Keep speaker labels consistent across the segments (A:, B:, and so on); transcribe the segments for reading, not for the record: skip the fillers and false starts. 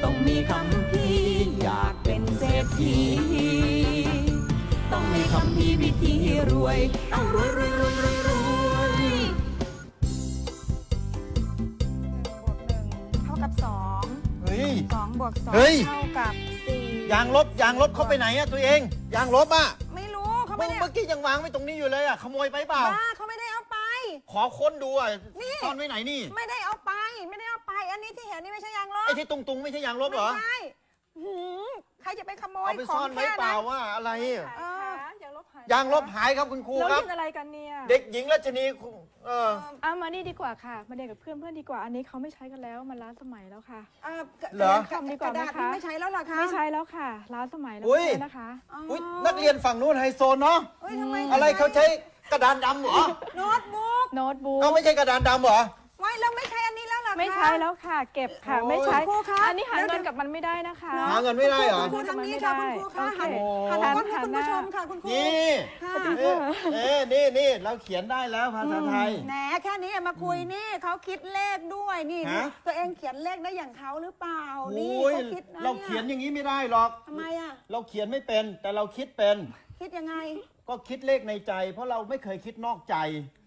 A: ต้องมีคำพี่อยากเป็นเศรษฐีต้องมีคำพี่วิธีรวยต้องรวยรวยรวยรวยรวย
B: 1 บวก 1 เท่ากับ 2
C: เฮ้ย
B: 2 บวก 2
C: เฮ้ย
B: เท่ากับ 4
C: ยางลบเข้าไปไหนอะตัวเอง ยางลบอะ
B: ไม่รู้เขา
C: เมื่
B: ไม่ได้
C: อกี้ยังวางไว้ตรงนี้อยู่เลยอะขโมยไปเปล่า
B: บ้าเขาไม่ได้เอาไป
C: ขอค้นดูอะ
B: นี่
C: ซ่อนไว้ไหนนี่
B: ไม่ได้เอาไป ไม่ได้เอาไป อันนี้ที่เห็นนี่ไม่ใช่ยางลบ
C: ไอ้ที่ตุงไม่ใช่ยางลบเหรอ
B: ไม่ใช่หืมใครจะไปขโมย
C: เอาไป
B: ขอ
C: ซ่อง นไว้
B: แค่
C: เปล่า
B: นั้น
C: ว่าอะไร
D: ยางลบหาย
C: ยางลบหายครับคุณครู
D: เรา
C: ครับ
D: เล่นอะไรกันเนี่ย
C: เด็กหญิงรัชนีอ
D: มานี่ดีกว่าค่ะมาเรียนกับเพื่อนดีกว่าอันนี้เขาไม่ใช้กันแล้วมันล้าสมัยแล้วค่ะ
C: เหรอ
B: กระดาษนี่ไม่ใช้แล้วเหรอคะ
D: ไม่ใช้แล้วค่ะล้าสมัยแล้ว
C: อุ๊ย
D: นะคะ
C: อุ๊ยนักเรียนฝั่งนู้นไฮโซเนาะ
B: เฮ้ยทำไม
C: อะไรเขาใช้กระดานดำเหรอ
B: โน้ตบุ๊ก
D: โน้ตบุ๊ก
C: เขาไม่ใช่กระดานดำเหรอ
B: ไว้แล้วไม่ใช้อันนี้แล้วเหรอคะ
D: ไม่ใช้แล้วค่ะ เก็บค่ะ
C: โอ้ย
D: ไม่ใช้
B: ครูคะ
D: อันนี้หา
B: เดี๋
D: เงิ
B: ย
D: น
B: ว
D: กับมันไม่ได้นะคะ
C: หาเงินไม่ได้เหรอ
B: คุณครูทางนี้ค่ะคุณครูคะหัน
D: โอเค
B: หันกล้องให้คุณ
D: หั
B: ผู้
D: นห
B: ช
D: น้า
B: มค่ะคุณครู
C: นี่
B: ค่ะ
C: นี่เราเขียนได้แล้วภาษาไทย
B: แหนแค่นี้มาคุยนี่เขาคิดเลขด้วยนี่
C: ฮะ
B: ตัวเองเขียนเลขได้อย่างเขาหรือเปล่านี่
C: โอ้ย
B: เขาคิดนะ
C: เราเขียนอย่างนี้ไม่ได้หรอก
B: ทำไมอ่ะ
C: เราเขียนไม่เป็นแต่เราคิดเป็น
B: คิดยังไง
C: ก็คิดเลขในใจ เพราะเราไม่เคยคิดนอกใจ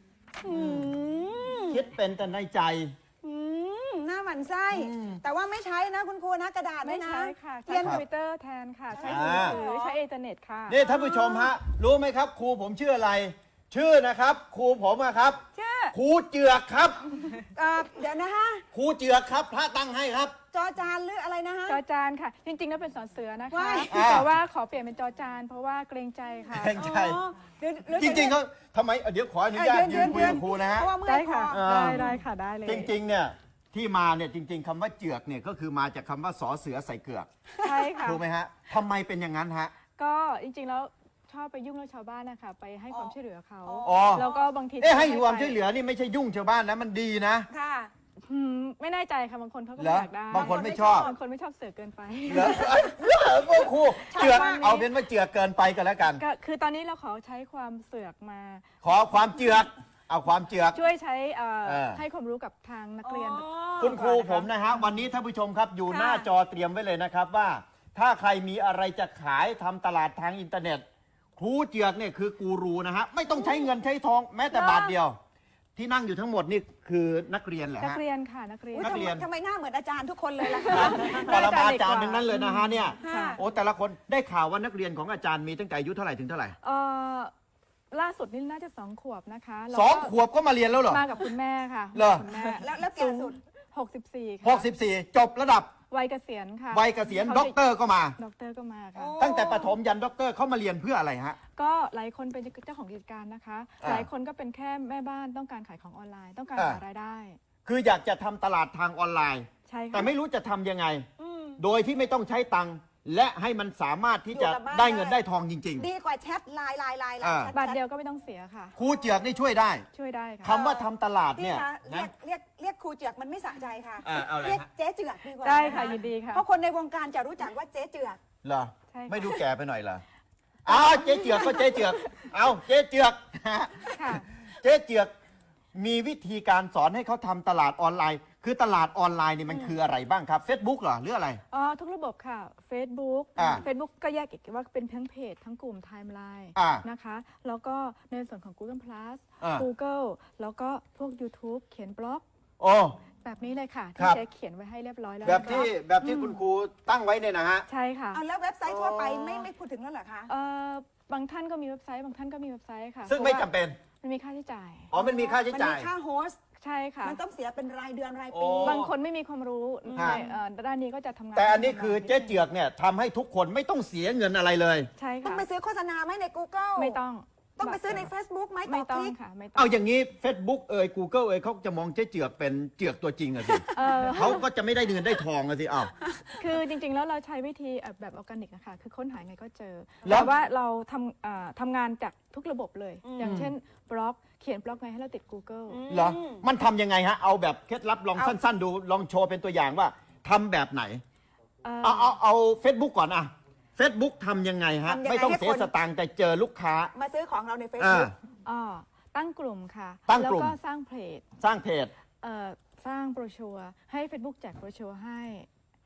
C: คิดเป็นแต่ในใจ
B: หน้าหมันไส้แต่ว่าไม่ใช้นะคุณครูนะกระดาษ
D: ไม่
B: ด้วยนะ
D: ใช้ค่ะ
B: เรี
D: ใช้
B: ยน
D: คอมพิวเตอร์แทนค่ะ ใช้
C: อ่า
D: มือถือใช้อินเทอร์เน็ตค่ะ
C: นี่ท่านผู้ชมฮะ รู้ไหมครับ ครูผมชื่ออะไร ชื่อนะครับ ครูผมอะครับ
B: ชื่อ
C: ครูเจือกครับ
B: เดี๋ยวนะฮะ
C: ครูเจือกครับ พระตั้งให้ครับ
B: จอจานหรืออะไรนะฮะ
D: จอจานค่ะ จริงๆแล้วเป็นสอนเสือนะคะ
B: ว้าย
D: แต่ว่าขอเปลี่ยนเป็นจอจาน เพราะว่าเกรงใจค่ะ
C: เกรงใจ
B: อ๋อเดี๋ยว
C: จริงๆเขาทำไมเดี๋ยวขออนุญาตยืนคุยกับครูนะฮะ
B: เพราะว่าเมื่อ
D: ได้
B: ยค
D: ค่ะ
B: อ
D: ได้ค่ะได้เลย
C: จริงๆเนี่ยที่มาเนี่ยจริง ๆคำว่าเจือกเนี่ยก็คือมาจากคำว่าสอเสือใส่เกือก
D: ใช่ค่ะ
C: ถูกไหมฮะทำไมเป็นอย่างนั้นฮะ
D: ก็จริงๆแล้วชอบไปยุ่งเรื่องชาวบ้านนะคะไปให้ความช่วยเหลือเขา
C: อ๋อ
D: แล้วก็บางที
C: ให้ความช่วยเหลือนี่ไม่ใช่ยุ่งชาวบ้านนะมันดีนะ
B: ค่ะ
D: ไม่แน่ใจค่ะบางคนเขาก็
C: เหรอ
D: อยากได้
C: บางคนไม่ชอบ
D: บางคนไม่ชอบเสือเกินไป
C: เหรอพวกครูเจือกเอาเป็นว่าเจือกเกินไปกันแล้วกัน
D: ก็คือตอนนี้เราขอใช้ความเสือกมา
C: ขอความเจือกเอาความเจือก
D: ช่วยใช้
C: เออ
D: ให้ความรู้กับทางนักเรียน
C: คุณครูผมนะฮะวันนี้ท่านผู้ชมครับอยู่หน้าจอเตรียมไว้เลยนะครับว่า ถ้าใครมีอะไรจะขายทำตลาดทางอินเทอร์เน็ต ครูเจือกเนี่ยคือกูรูนะฮะไม่ต้องใช้เงินใช้ทองแม้แต่บาทเดียว ที่นั่งอยู่ทั้งหมดนี่คือนักเรียนเหรอ
D: นัก
C: ฮะ
D: เรียนค่ะนักเรียน
B: อุ๊ย
C: นักเรียน
B: ทำไมหน้าเหมือนอาจารย์ทุกคนเลยล่ะคะ
C: ปรมาจารย์ทั้งนั้นเลยนะฮะเนี่ย
B: ค่ะ
C: โอ้แต่ละคนได้ข่าวว่านักเรียนของอาจารย์มีตั้งแต่อายุเท่าไหร่ถึงเท่าไหร่
D: ล่าสุดนี่น่าจะ2 ขวบนะคะแล้ว
C: ส
D: ก็
C: องขวบก็มาเรียนแล้วเหรอ
D: มากับคุณแม่ค่ะ
C: เหรอ
D: คุณแม่
B: แล้วแก่สุด
D: 64 ค่ะ
C: 64 จบระดับ
D: วัยเกษียณค่ะ
C: วัยเกษียณด็อกเตอร์ก็มา
D: ด็อกเตอร์ก็มาค่ะ
B: โอ้
C: ตั้งแต่ประถมยันด็อกเตอร์เขามาเรียนเพื่ออะไรฮะ
D: ก็หลายคนเป็นเจ้าของกิจการนะคะ
C: อ่า
D: หลายคนก็เป็นแค่แม่บ้านต้องการขายของออนไลน์ ต้องการ
C: อ่า
D: หารายได้
C: คืออยากจะทำตลาดทางออนไลน์
D: ใช่ค่ะ
C: แต่ไม่รู้จะทำยังไง
B: อืม
C: โดยที่ไม่ต้องใช้ตังค์และให้มันสามารถที่จะ
B: อยู่กับบ้าน
C: ได้เงินได้ทองจริง
B: ดีกว่าแชทไลน์
C: อ่า
B: แชท
D: บาทเดียวก็ไม่ต้องเสียค่ะ
C: ๆ ครูเจือกนี่ช่วยได้
D: ช่วยได้ค่ะ
C: คำว่าทำตลาด
B: พี่
C: เนี่ย
B: คะเรีย
C: นะ
B: กเรียกครูเจือกมันไม่สะใจค่ะ
C: เอาอะไร
B: เรียก
C: ฮะ
B: เจ๊เจือกดีกว่า
D: ได้ค่ะ
B: น
D: ยินดีค่ะ
B: เพราะคนในวงการจะรู้จักว่าเจ๊เจือก
C: เหรอ
D: ใช่ค่ะ
C: ไม่ดูแก่ไปหน่อยเหรออ้าวเจ๊เจือกก็เจ๊เจือกเอาเจ๊เจือก
D: ค่ะ
C: เจ๊เจือกมีวิธีการสอนให้เขาทำตลาดออนไลน์ คือตลาดออนไลน์นี่มันคืออะไรบ้างครับ Facebook เหรอหรืออะไร
D: ทุกระบบค่ะ Facebook
C: อ่า
D: Facebook ก็แยกอีกว่าเป็นทั้งเพจทั้งกลุ่มไทม์ไลน์
C: อ่า
D: นะคะ แล้วก็ในส่วนของ Google Plus
C: อ่า
D: Google แล้วก็พวก YouTube เขียนบล็อก
C: โอ้
D: แบบนี้เลยค่ะ
C: ค
D: ที่
C: รับ
D: เช็คเขียนไว้ให้เรียบร้อยแล้ว
C: แบบที่คุณครูตั้งไว้เนี่ยนะฮะ
D: ใช่ค่ะ
B: เอาแล้วเว็บไซต์ทั่วไปไม่พูดถึงแล้วเหรอคะ
D: บางท่านก็มีเว็บไซต์ บางท่านก็มีเว็บไซต์ค่ะ
C: ซึ่งไม่จำเป็น
D: มันมีค่าใช้จ่าย
C: อ๋อมันมีค่าใช้
B: มัน
C: จ่า
B: มี
C: ย
B: ค่าโฮสต์
D: ใช่ค่ะ
B: มันต้องเสียเป็นรายเดือนราย
C: โอ้
B: ปี
D: บางคนไม่มีความรู้
C: ฮะ
D: ในด้านนี้ก็จะทำงาน
C: แต่อันนี้คือเจ๊เจือกเนี่ยทำให้ทุกคนไม่ต้องเสียเงินอะไรเลย
D: ใช่
B: ต้อ
D: ค่ะ
B: งไปซื้อโฆษณาไหมใน Google
D: ไม่ต้อง
B: ต้องไปซื้อใน Facebook ไหมต่
D: ไม่
B: อ
D: ต้
B: ค
D: อง
B: ลิก
D: ค่ะไม่ต้อง
C: เอาอย่างนี้ Facebook Google เขาจะมองเจ๊เจือกเป็นเจือกตัวจริงอะสิ
D: เออ
C: เขาก็จะไม่ได้เงินได้ทองอะสิอ้าว
D: คือจริงๆ แล้วเราใช้วิธีแบบออร์แกนิกอะค่ะ คือค้นหาไงก็เจอ
C: แล้ว
D: แต่ว่าเราทำงานจากทุกระบบเลย อย่างเช่นบล็อก เขียนบล็อกไงให้เราติด Google
C: เหรอ มันทำยังไงฮะ เอาแบบเคล็ดลับลองสั้นๆ ดู ลองโชว์เป็นตัวอย่างว่าทำแบบไหน เอา Facebook ก่อนอะ Facebook ทำยังไงฮะ
B: ทำยังไง
C: ไม่ต้อง
B: ให้
C: เสีย
B: คน
C: สตางค์แต่เจอลูกค้า
B: มาซื้อของเราใน
C: อ่า
B: Facebook
D: ตั้งกลุ่มค่ะ
C: ตั้งกลุ่ม
D: แล้วก็สร้างเพจ
C: สร้างเพจ
D: สร้างโบรชัวร์ให้ Facebook แจกโบรชัวร์ให้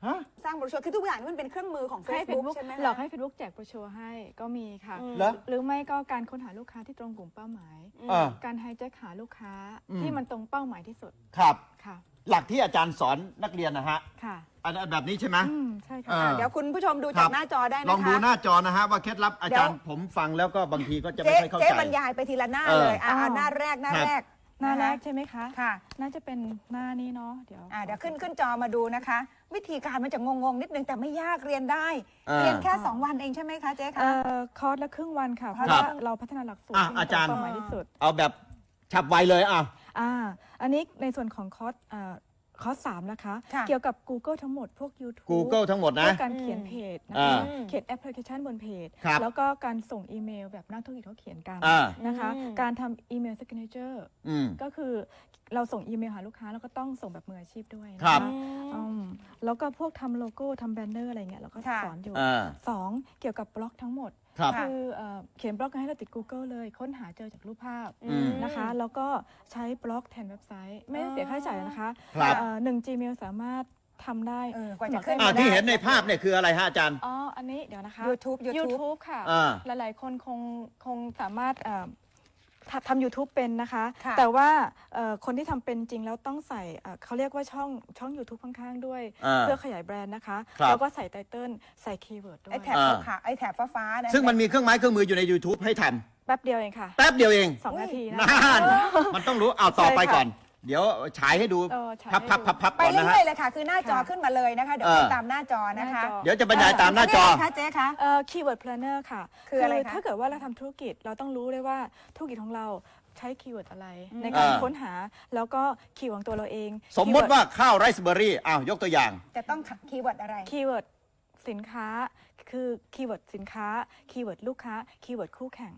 C: ฮะ
B: สร้างโบรชัวร์คือทุกอย่างนี่มันเป็นเครื่องมือของ
D: ให้
B: Facebook
D: Facebook
B: ใช่ไหมคะ
D: หลอกให้ Facebook แจกโบรชัวร์ให้ก็มีค่ะ
C: เหรอ
D: หรือไม่ก็การค้นหาลูกค้าที่ตรงกลุ่มเป้าหมาย การไฮแจ็คหาลูกค้าที่มันตรงเป้าหมายที่สุด
C: ครับ
D: ค่ะ
C: หลักที่อาจารย์สอนนักเรียนนะฮะ
D: ค่ะ
C: อันแบบนี้ใช่ไหม
D: ใช่ค่ะ
C: อ่า
B: เดี๋ยวคุณผู้ชมดู
C: ครั
B: จาก
C: บ
B: หน้าจอได้นะคะ
C: ลองดูหน้าจอนะฮะว่าเคล็ดลับอาจารย์
B: เดี๋ยว
C: ผมฟังแล้วก็บางทีก็จะ
B: เจ๊
C: ไม่ค่อยเข้า
B: เจ๊
C: ใจ
B: บรรยายไปทีละหน้า
C: เออ
B: เลย
D: อ๋อ
B: หน้าแรกหน้า
C: ครับ
B: แรก
D: หน้าแรก
B: ะคะ
D: ใช่ไหมคะ
B: ค่ะ
D: น่าจะเป็นหน้านี้เนาะเดี๋ยว
B: เดี๋ยวขึ้นจอมาดูนะคะ วิธีการมันจะงงๆนิดนึงแต่ไม่ยากเรียนได้
C: อ่า
B: เรียนแค่ 2 วันเองใช่ไหมคะเจ๊คะ
D: คอร์สละครึ่งวันค่ะ เพราะ
C: ครับ
D: ว่าเราพัฒนาหลักสูตร
C: อ่ะ
D: ที่มัน
C: อาจารย์
D: ตงเป้าหมายที่สุด
C: เอาแบบฉับไวเลยอ่ะ
D: อันนี้ในส่วนของคอร์สคอร์ส3นะคะ
B: ค่ะ
D: เกี่ยวกับ Google ทั้งหมดพวก YouTube
C: Google ทั้งหมด
D: พ
C: นะ
D: วกการเขียนเพจนะ
C: อ่า
D: คะเขียนแอปพลิเคชันบนเพจ
C: ครับ
D: แล้วก็การส่งอีเมลแบบนักธุรกิจเขาเขียนกัน
C: อ่า
D: นะคะ การทำอีเมล signature
C: อืม
D: ก็คือเราส่งอีเมลหาลูกค้าแล้วก็ต้องส่งแบบมืออาชีพด้วยนะ
C: ครั
D: คะ
C: บ
D: แล้วก็พวกทำโลโก้ทำแบนเนอร์อะไรเงี้ยเราก็
B: ค่ะ
D: สอนอยู่
C: อ่า
D: 2เกี่ยวกับบล็อกทั้งหมด
C: ครับ
D: คือเขียนบล็อกให้เราติด Google เลยค้นหาเจอจากรูปภาพ
C: อืม
D: นะคะแล้วก็ใช้บล็อกแทนเว็บไซต์ ไม่ได้เสียค่าใช้จ่ายนะคะ
C: ครับ
D: 1 Gmail สามารถทำได้
B: กว่าจะขึ้น
C: อ่าที่เห็นในภาพเนี่ยคืออะไรฮะอาจารย์
D: อันนี้เดี๋ยวนะคะ
B: YouTube
D: ค่ะ
C: อ่า
D: หลายๆคนคงสามารถทำ YouTube เป็นนะคะ
B: ค่ะ
D: แต่ว่าคนที่ทำเป็นจริงแล้วต้องใส่เขาเรียกว่าช่อง YouTube ข้างๆด้วย
C: อ่า
D: เพื่อขยายแบรนด์นะคะ
C: ครับ
D: แล้วก็ใส่ไตเติลใส่คีย์เวิร์ดด้วย
B: ไอ้แถบขาวๆไอ้แถบฟ้าๆนะ
C: ซึ่งมันมีเครื่องไม้เครื่องมืออยู่ใน YouTube ให้ท
D: แป๊บเดียวเองค่ะ
C: ำแป๊บเดียวเอง
D: 2 นาทีนะ
C: นั่นมันต้องรู้เอาต่อไป
D: ใช่ค่ะ
C: ก่อน เดี๋ยวฉายให้ดู
D: ฉายให้
C: พับ
D: ดู
C: พับพับ
B: ไป
C: ก่อนนะ
B: เรื่
C: ฮะ
B: อยๆเลยค่ะ คือหน้าจอขึ้นมาเลยนะคะ เดี๋ยวไปตามหน้าจอนะคะ
D: หน้าจอ
C: เดี๋ยวจะบรรยายตามหน้าจอ
B: เรียกอะไรคะเจ๊คะ
D: คีย์เวิร์ดเพลนเนอร์ค่ะ
B: คืออะไรคะ
D: ถ้าเกิดว่าเราทำธุรกิจเราต้องรู้เลยว่าธุรกิจของเราใช้คีย์เวิร์ดอะไร ในการ
C: อ่า
D: ค้นหาแล้วก็คีย์ของตัวเราเอง
C: สมมติว่าข้าวไรซ์เบอร์รี่อ้าวยกตัวอย่าง
B: จะต้องคีย์เวิร์ดอะไร
D: คีย์เวิร์ดสินค้าคือคีย์เวิร์ดสินค้าคีย์เวิร์ดลูกค้าคีย์เวิร์ดคู่แข่ง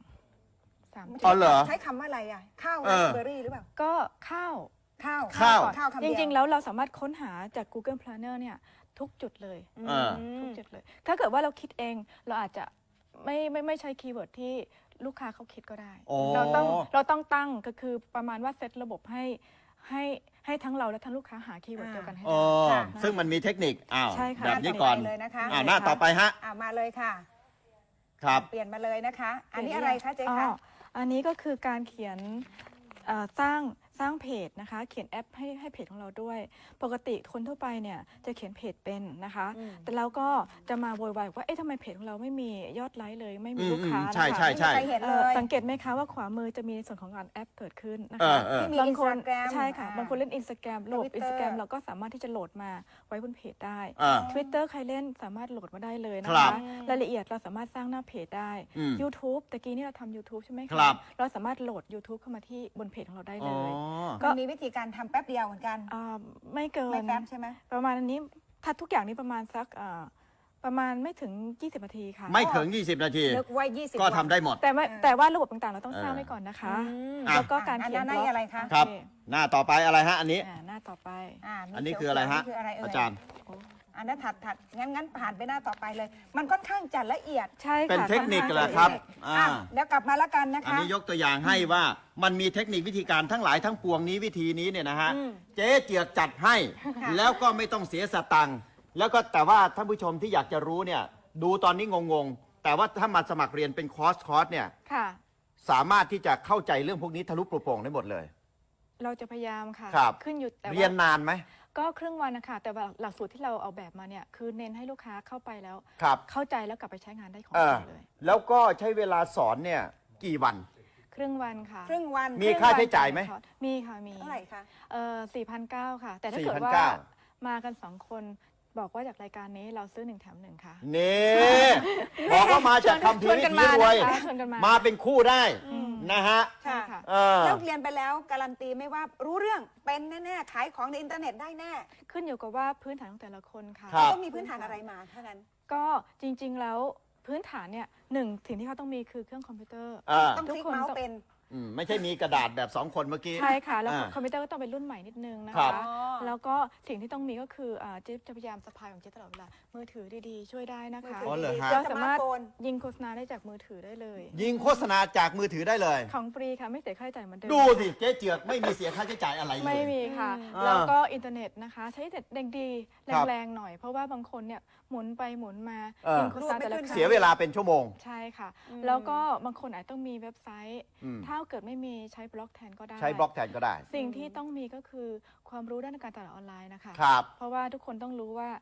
D: 3
C: อ๋อเหรอ
B: ใช้คำว่าอะไรอ่ะ ข้าว
C: เอ
B: ไร
C: อ
B: ซ์เบอร์รี่หรือเปล่า
D: ก็ข้าว
B: ข้าว
C: ข้าว
B: ข้าวคำ
D: จ
B: เดียว
D: ริง ๆ แล้วเราสามารถค้นหาจาก Google Planner เนี่ยทุกจุดเลย
C: อ่า
D: ทุกจุดเลย ถ้าเกิดว่าเราคิดเองเราอาจจะไม่ใช้คีย์เวิร์ดที่ลูกค้าเขาคิดก็ได้
C: อ๋อ
D: เราต้องตั้งก็คือประมาณว่าเซตระบบให้ทั้งเราและทั้งลูกค้าหาคีย์เวิร์ดเดียวกันให้
C: อ๋อ
D: ได้
C: ซึ่งมันมีเทคนิคอ้าว
D: ใช่ค่ะ
C: แบบนี้ก่อน
B: เลยนะคะ
C: หน้าต่อไปฮะ
B: มาเลยค่ะ
C: ครับ
B: เปลี่ยนมาเลยนะคะ อันนี้อะไรคะเจ๊คะ
D: อันนี้ก็คือการเขียนสร้างเพจนะคะเขียนแอปให้เพจของเราด้วย ปกติคนทั่วไปเนี่ยจะเขียนเพจเป็นนะคะ แต่เราก็จะมาโวยวายว่าเอ๊ะทำไมเพจของเราไม่มียอดไลค์เลยไม่มีลูกค้า
C: ใช่
D: นะคะ
C: ใช่ใช่
B: ไม่มีใครเห็นเลย
D: สังเกตไหมคะว่าขวามือจะมีในส่วนของการแอปเกิดขึ้นนะ
C: เอ
D: คะ
C: อ
B: ที่มี
D: บางคน
B: Instagram
D: ใช่ค่ะ
B: อ่า
D: บางคนเล่น Instagram โหลด
B: Twitter
D: Instagram เราก็สามารถที่จะโหลดมาไว้บนเพจได้
C: อ่า
D: Twitter ใครเล่นสามารถโหลดมาได้เลยนะ
C: ครั
D: คะ
C: บ
D: รายละเอียดเราสามารถสร้างหน้าเพจได้
C: อืม
D: YouTube ตะกี้นี่เราทำ YouTube ใช่ไหมคะ
C: ครับ
D: เราสามารถโหลด YouTube เข้ามาที่บนเพจของเราได้
C: อ๋
D: เล
C: อ
D: ย
B: ก็มีวิธีการทำแป๊บเดียวเหมือนกัน
D: ไม่เกิ
B: ไม่
D: น
B: แป๊บใช่ไหม
D: ประมาณอันนี้ถ้าทุกอย่างนี้ประมาณสักประมาณไม่ถึง 20 นาทีค่ะ
C: ไม่ถึง 20 นาที
B: นึกไว้20
C: ก็ทำได้หมด
D: แต่ว่าระบบต่างๆ เราต้องสร้างไว้ก่อนนะคะ
C: อ่ะ
D: แล้วก็การ
B: อัน
D: เขีย
B: นั้น น
D: บล็อก
B: อะไรคะ
C: ครับ
D: โอเ
C: หน้าต่อไปอะไรฮะ อันนี้
D: หน้าต่อไป
B: มี
C: อันนี้คืออะไรฮะ
B: นี่คืออะไรเอ่ย
C: อาจารย์
B: อันนั้นถัดงั้นผ่านไปหน้าต่อไปเลย มันค่อนข้างจะละเอียด
D: ใช่ค่ะ
C: เป็นเทคนิค
D: อนข้าง
C: เหรอครับ
D: ละเอียด
B: เดี๋ยวกลับมาแล้วกันนะ
C: อัน
B: คะ
C: นี้ยกตัวอย่างให้ว่ามันมีเทคนิควิธีการทั้งหลายทั้งปวงนี้วิธีนี้เนี่ยนะฮะ เจ๊เจือกจัดให้
B: ค่ะ
C: แล้วก็ไม่ต้องเสียสตังค์แล้วก็แต่ว่าท่านผู้ชมที่อยากจะรู้เนี่ย ดูตอนนี้งงๆ แต่ว่าถ้ามาสมัครเรียนเป็นคอร์สเนี่ย
D: ค่ะ
C: สามารถที่จะเข้าใจเรื่องพวกนี้ทะลุปลุโปร่งได้หมดเลย
D: เราจะพยายามค่ะ
C: ครับ
D: ขึ้นอยู่แต่
C: เรียน
D: ว่าน
C: านไหม
D: ก็ครึ่งวันนะคะแต่ว่าหลักสูตรที่เราเอาแบบมาเนี่ยคือเน้นให้ลูกค้าเข้าไปแล้ว
C: ครับ
D: เข้าใจแล้วกลับไปใช้งานได้ของ
C: เอ
D: จ
C: อ
D: ริงเลย
C: แล้วก็ใช้เวลาสอนเนี่ยกี่วัน
D: ครึ่งวันค่ะ
B: ครึ่งวัน
C: มีค่าใช้จ่ายไหม
D: มีค่ะมี
B: เท่าไหร่คะ
D: 4,900 ค่ะ แต่ถ้าเกิดว่ามากัน 2 คนบอกว่าจากรายการนี้เราซื้อ1 แถม 1 ค่ะ
C: นี่บอกว่ามาจากคำพี
D: ชวน
C: วิ
D: กัน
C: ถี
D: มาร
C: วย
D: นะคะชวนกันมา
C: มาเป็นคู่ได้นะฮะ
D: ใช่ค่ะ
C: เออ
B: แล้วเรียนไปแล้วการันตีไม่ว่ารู้เรื่องเป็นแน่ๆขายของในอินเทอร์เน็ตได้แน่
D: ขึ้นอยู่กับว่าพื้นฐานของแต่ละคนค่ะ
C: ครับ
B: ต้องมีพื้นฐานอะไรมาถ้างั้น
D: ก็จริงๆแล้วพื้นฐานเนี่ยหนึ่งสิ่งที่เขาต้องมีคือเครื่องคอมพิวเตอร์
C: อ่า
B: ต้องคลิกเมาส์เป็น
C: ไม่ใช่มีกระดาษแบบ2คนเมื่อกี้
D: ใช่ค่ะ แล้ว
C: อ่า
D: คอมพิวเตอร์ก็ต้องเป็นรุ่นใหม่นิดนึงนะ
C: ครั
D: คะ
C: บ
D: แล้วก็สิ่งที่ต้องมีก็คือเจ๊จะพยายามสะพายของเจ๊ตลอดเวลามือถือดีๆช่วยได้นะคะ
C: อ๋อเหรอฮะ
D: เรา
B: ส
D: สา
B: มาร์
D: มาร
B: ท
D: ถ
B: โฟน
D: ยิงโฆษณาได้จากมือถือได้เลย
C: ยิงโฆษณาจากมือถือได้เลย
D: ของฟรีค่ะไม่เสียค่าใช้จ่ายเหมือนเดิม
C: ดูสิเจ๊เจือกไม่มีเสียค่าใช้จ่ายอะไรเลย
D: ไม่มีค่ะ
C: อ่า
D: แล้วก็อินเทอร์เน็ตนะคะ ใช้อินเทอร์เน็ตดี
C: ครับ
D: แรงๆหน่อย เพราะว่าบางคนเนี่ยหมุนไปหมุนมา
C: เออ
D: ยิงโฆษณาแต่ละครั้ง
C: เสียเวลาเป็นชั่วโมง
D: ใช่ค่ะ แล้วก็บางคนอาจต้องมีเว็บไซต์
C: อืม
D: ถ้าเกิดไม่มีใช้บล็อกแทนก็ได้
C: ใช้บล็อกแทนก็ได้
D: สิ่งที่ต้องมีก็คือความรู้ด้านการตลาดออนไลน์นะคะ
C: ครับ
D: เพราะว่าทุกคนต้องรู้ว่า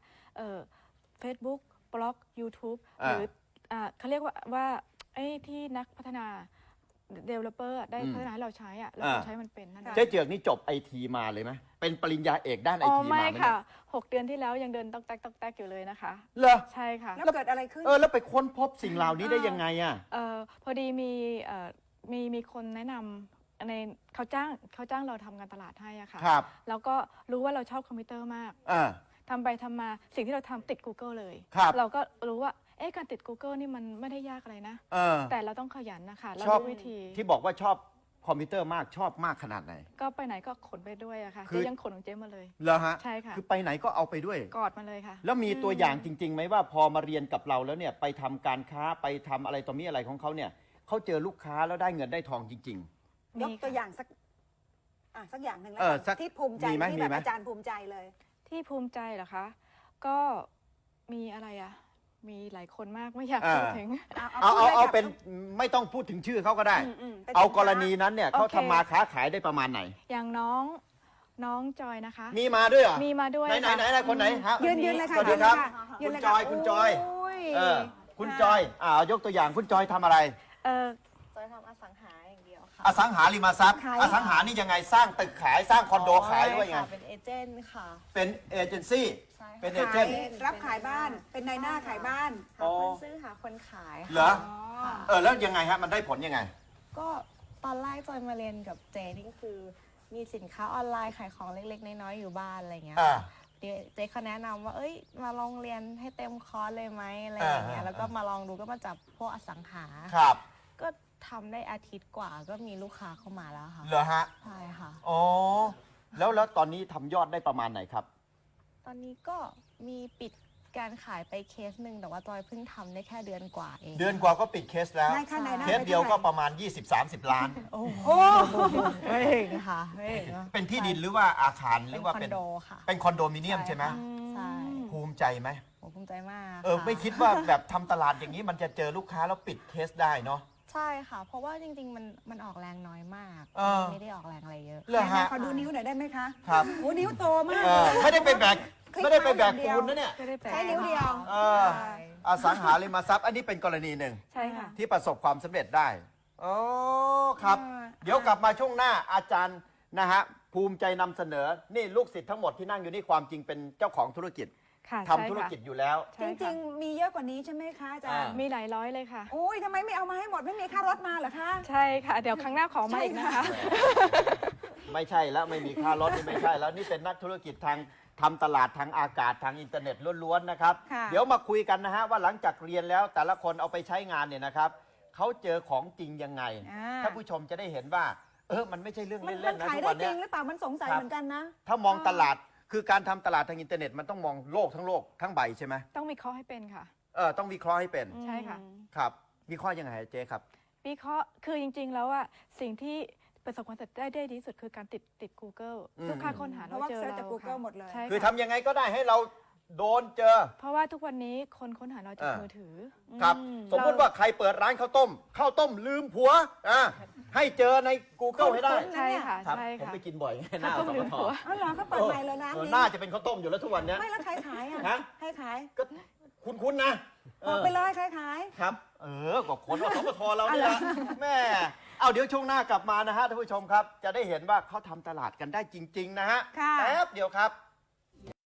D: Facebook บล็อก YouTube
C: อ่า
D: หรือเขาเรียกว่าไอ้ที่นักพัฒนา developer ได้พัฒนาให้เราใช้อะเราใช้มันเป็นนั่นเอง
C: เจ๊เจือกนี่จบไอทีมาเลยไหมเป็นปริญญาเอกด้านไอ
D: อ๋อ
C: ทีมา
D: ไม่
C: ไหม
D: ค่ะ 6 เดือนที่แล้วยังเดินตอกแตกอยู่เลยนะคะ
C: เหรอ
D: ใช่ค่ะ
B: แล้วเกิดอะไรขึ้น
C: แล้วไปค้นพบสิ่งเหล่านี้ได้ยังไงอ่ะ
D: พอดีมีคนแนะนำในเขาจ้างเราทำการตลาดให้อะค่ะ
C: ครับ
D: แล้วก็รู้ว่าเราชอบคอมพิวเตอร์มาก
C: อ่า
D: ทำไปทำมาสิ่งที่เราทำติด Google เลย
C: ครับ
D: เราก็รู้ว่าการติด Google นี่มันไม่ได้ยากอะไรนะ
C: เออ
D: แต่เราต้องขยันนะคะเรา
C: ชอบ
D: รู้วิธี
C: ที่บอกว่าชอบคอมพิวเตอร์มากชอบมากขนาดไหน
D: ก็ไปไหนก็ขนไปด้วยอะค่ะ
C: คือ
D: เจ๊ยังขนของเจ๊มาเลย
C: เหรอฮะ
D: ใช่ค่ะ
C: คือไปไหนก็เอาไปด้วย
D: กอดมาเลยค่ะ
C: แล้วมีตัวอย่างจริงๆไหมว่าพอมาเรียนกับเราแล้วเนี่ยไปทำการค้าไปทำอะไรต่อมีอะไรของเขาเนี่ยเขาเจอลูกค้าแล้วได้เงินได้ทองจริง
B: ยกตัวอย่างสักอย่างหนึ่งแล้ว
C: เออ
B: กัน
C: สัก
B: ที่ภูมิใจ
C: มีไหม
B: ที่
C: มี
B: แบบ
C: ไหม
B: อาจารย์ภูมิใจเลย
D: ที่ภูมิใจเหรอคะ ก็มีอะไรอะมีหลายคนมากไม่อยาก
C: อ่า
D: พูดถึง
C: เอา
B: พูดลยค่ะ
C: เป็นไม่ต้องพูดถึงชื่อเขาก็ได้
B: เป็น
C: เอา
B: สินค้
C: กรณีนั้นเนี่ยเขา
D: โอเค
C: ทำมาค้าขายได้ประมาณไหน
D: อย่างน้องจอยนะคะ
C: มีมาด้วยเหรอ
D: มีมาด้วย
C: ไหน
D: ค่ะ
C: ไหนคนไหนฮะ
B: ยืนเลยค่ะ
C: สวัสดีครับ
B: ยื
C: คุ
B: น
C: ณ
B: เลย
C: จอย
B: ค่ะ
C: คุณจอย
B: โย
C: คุณจอยยกตัวอย่างคุณจอยทำอะไร
E: จอยทำอสังหาอย่างเดียวค่ะ
C: อสังหาริมทรัพย์อสังหานี่ยังไงสร้างตึกขายสร้างคอนโดขายด้วยไง
E: ค่ะเป็นเอเจนต์ค่ะ
C: เป็นเอเจนซี่
E: ใช่ค่ะ
C: เป็นเอเจนต์
B: รับขายบ้าน เป็นนายหน้าขายบ้าน
E: หาคนซื้อหาคนขาย
C: เหร
E: ค่ะ
C: อแล้วยังไงฮะมันได้ผลยังไง
E: ก็ตอนแรกจอยมาเรียนกับเจนี่ก็คือมีสินค้าออนไลน์ขายของเล็กๆน้อยๆอยู่บ้านอะไรเงี้ย
C: อ่า
E: เดี๋ยวเจ๊เขาแนะนำว่ามาลองเรียนให้เต็มคอร์สเลยไหมอะไรอย่างเงี้ย
C: อ่า
E: แล้วก็มาลองดูก็มาจับพวกอสังหา
C: ครับ
E: ก็ทำได้อาทิตย์กว่าก็มีลูกค้าเข้ามาแล้วค่ะ
C: เหรอฮะ
E: ใช่ค่ะ
C: อ๋อแล้วตอนนี้ทำยอดได้ประมาณไหนครับ
E: ตอนนี้ก็มีปิดการขายไปเคสหนึ่งแต่ว่าจอยเพิ่งทำได้แค่เดือนกว่าเอง
C: เดือนกว่าก็ปิดเคสแล้ว
B: นายค่ะนายหน้า
C: เคสเดียวก็ประมาณ 20-30 ล้าน
E: โอ้โห
B: โอ้
E: ไม่เองค่ะไม่เองอะ
C: เป็นที่ดินหรือว่าอาคารห
E: เป็
C: รื
E: น
C: อว่า
E: คอนโดค่ะ
C: เป็นคอนโดมิเนียมใช่ไหม
E: ใช่
C: ภูมิใจไหม
E: ผมภูมิใจมาก
C: ไม่
E: ะ
C: คิดว่าแบบทำตลาดอย่างนี้มันจะเจอลูกค้าแล้วปิดเคสได้เนาะ
E: ใช่ค่ะ เพราะว่าจริงๆมันออกแรงน้อยมาก
C: เออ
E: ไม่ได้ออกแรงอะไรเยอะ
C: เหรอฮะ
B: ขอดูนิ้วหน่อยได้ไหมคะ
C: ครับ
B: โอ้นิ้วโตมาก
C: ไม่ได้ไปแบก
B: คลิก
C: ไม่ได้ไปแบก
B: เท้าอย่างเดียว
C: ปูนนะเนี่ย
D: ไม่ได้แปล
B: ใช้นิ้วเดียว
C: เอออสังหาริมทรัพย์อันนี้เป็นกรณีหนึ่ง
D: ใช่ค่ะ
C: ที่ประสบความสำเร็จได้โอ้ครับ เดี๋ยวกลับมาช่วงหน้าอาจารย์นะฮะภูมิใจนำเสนอนี่ลูกศิษย์ทั้งหมดที่นั่งอยู่นี่ความจริงเป็นเจ้าของธุรกิจ
D: ค่ะ
C: ทำธุรกิจอยู่แล้ว
D: ใช่
B: จ
D: ค่ะ
B: ริงๆ มีเยอะกว่านี้ใช่ไหมคะอาจารย์
C: อ่า
D: มีหลายร้อยเลยค่ะ
B: โอ้ยทำไมไม่เอามาให้หมดไม่มีค่ารถมาเหรอคะ
D: ใช่ค่ะ เดี๋ยวครั้งหน้าขอมาอีกนะคะ
C: ไม่ใช่แล้วไม่มีค่ารถนี่ไม่ใช่แล้วนี่เป็นนักธุรกิจทางทำตลาดทางอากาศทางอินเทอร์เน็ตล้วนๆนะครับ
B: ค่ะ
C: เดี๋ยวมาคุยกันนะฮะว่าหลังจากเรียนแล้วแต่ละคนเอาไปใช้งานเนี่ยนะครับเขาเจอของจริงยังไง
B: อ่า
C: ถ้านผู้ชมจะได้เห็นว่า มันไม่ใช่เรื่อง
B: มัน
C: เล่นๆนะ
B: ขาย
C: ทุก
B: ได้
C: วัน
B: จ
C: เนี้
B: ริ
C: ย
B: งหรือเปล่ามันสงสัย
C: ครับ
B: เหมือนกันนะ
C: ถ้ามองตลาดคือการทำตลาดทางอินเทอร์เน็ตมันต้องมองโลกทั้งโลกทั้งใบใช่ไหม
D: ต้องวิเคราะห์ให้เป็นค่ะ
C: ต้องวิเคราะห์ให้เป็น
D: ใช่ค่ะ
C: ครับวิเคราะห์ยังไงเจ๊ครับ
D: วิเคราะห์คือจริงๆ แล้วอะสิ่งที่ประสบความสำเร็จได้ดีที่สุดคือการติด Google
C: อืม
D: ทุกค่าค้นหา
B: เพราะว่า
D: เจอ
B: เซิร์ช
D: เรา
B: จาก Google หมดเลย
D: ใช่
C: คือ
D: ค่ะ
C: ทำยังไงก็ได้ให้เราโดนเจอ
D: เพราะว่าทุกวันนี้คนค้นหาเราจาก
C: อ่ามื
D: มือถือ
C: ครับสมมติว่าใครเปิดร้านข้าวต้มลืมผัวให้เจอใน Google ให้ได้
D: ใช่ค่ะ
C: ครับ
D: ใช่
C: ผม
D: ค่ะ
C: ไปกินบ่อยหน้า
D: ข้าว
C: ส
D: ต้มลื
C: ม
D: ม
C: ท
D: ผัว
B: อ๋อเหรอเขาเปิดใหม่เลยนะนี้
C: น่าจะเป็นข้าวต้มอยู่แล้วทุกวันเนี้ย
B: ไม่แล้วใครขายอ่ะ
C: ฮะ
B: ให้ขาย
C: ก็คุ้นๆนะ
B: บอกไปเลยใครขาย
C: ครับก็คนอสมทเราเนี่ยแหละแม่เอาเดี๋ยวช่วงหน้ากลับมานะฮะท่านผู้ชมครับ จะได้เห็นว่าเขาทำตลาดกันได้จริง ๆ นะฮะ
B: ค่ะ
C: แป๊บเดียวครับ